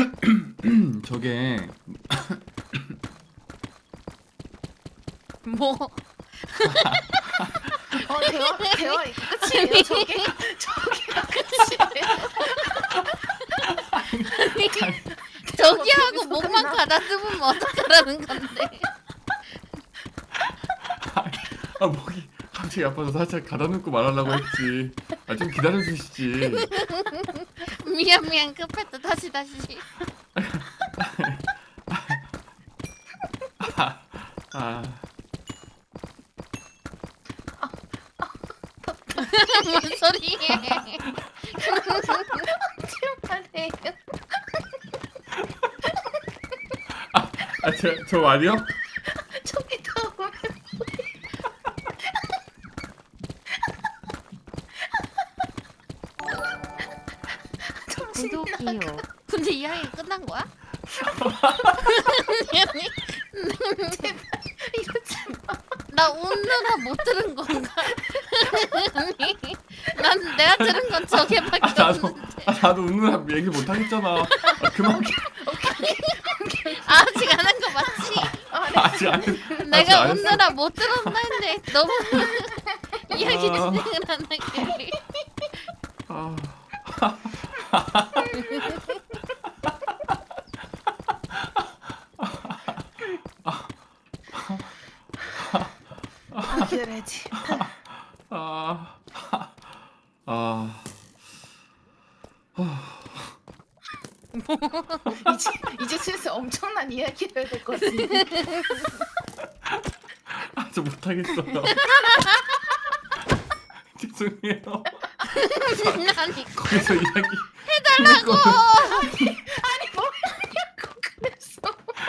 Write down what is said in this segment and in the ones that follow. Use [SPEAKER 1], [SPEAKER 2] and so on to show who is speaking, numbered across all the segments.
[SPEAKER 1] 저게
[SPEAKER 2] 뭐?
[SPEAKER 3] 대화 이거 끝이에요? 저기가 끝이에요?
[SPEAKER 2] 저기 하고 목만 가다듬으면 어떡하라는 건데?
[SPEAKER 1] 목이 갑자기 아파서 살짝 가다놓고 말하려고 했지. 좀 기다려주시지.
[SPEAKER 2] 미안 급했다. 다시 뭔 소리해?
[SPEAKER 3] 말해요.
[SPEAKER 1] 저 말이요?
[SPEAKER 3] 저기 나오면
[SPEAKER 2] 구독이요. 근데 이야기 끝난 거야?
[SPEAKER 3] 이러지 마.
[SPEAKER 2] 나 웃느라 못 들은 건가? 아니, 난 내가 들은 건 저게밖에 없는데.
[SPEAKER 1] 나도 웃느라 얘기 못 하겠잖아. 그만.
[SPEAKER 2] 아직 안 한 거 맞지?
[SPEAKER 1] 아직 안 했.
[SPEAKER 2] 내가
[SPEAKER 1] 안 했어.
[SPEAKER 2] 웃느라 못 들었나 했는데 너무 이야기 진행을 안 하길래.
[SPEAKER 3] 기다려야지. 이제 슬슬 엄청난 이야기를 해야 될 것 같은데.
[SPEAKER 1] 저 못하겠어요. 죄송해요.
[SPEAKER 2] 아니
[SPEAKER 1] 거기서 이야기
[SPEAKER 2] 해달라고.
[SPEAKER 3] 아니 뭐 하냐고 그랬어.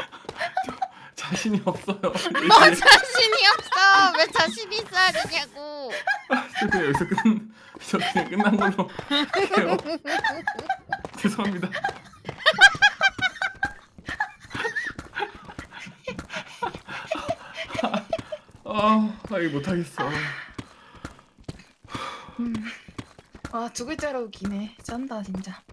[SPEAKER 1] 자신이 없어요.
[SPEAKER 2] 뭐 자신이 없어. 왜 자신 있어야 되냐고.
[SPEAKER 1] 그냥 여기서 그냥 끝난 걸로 해요. 죄송합니다. 이거 못하겠어.
[SPEAKER 3] 두 글자로 기네. 짠다 진짜.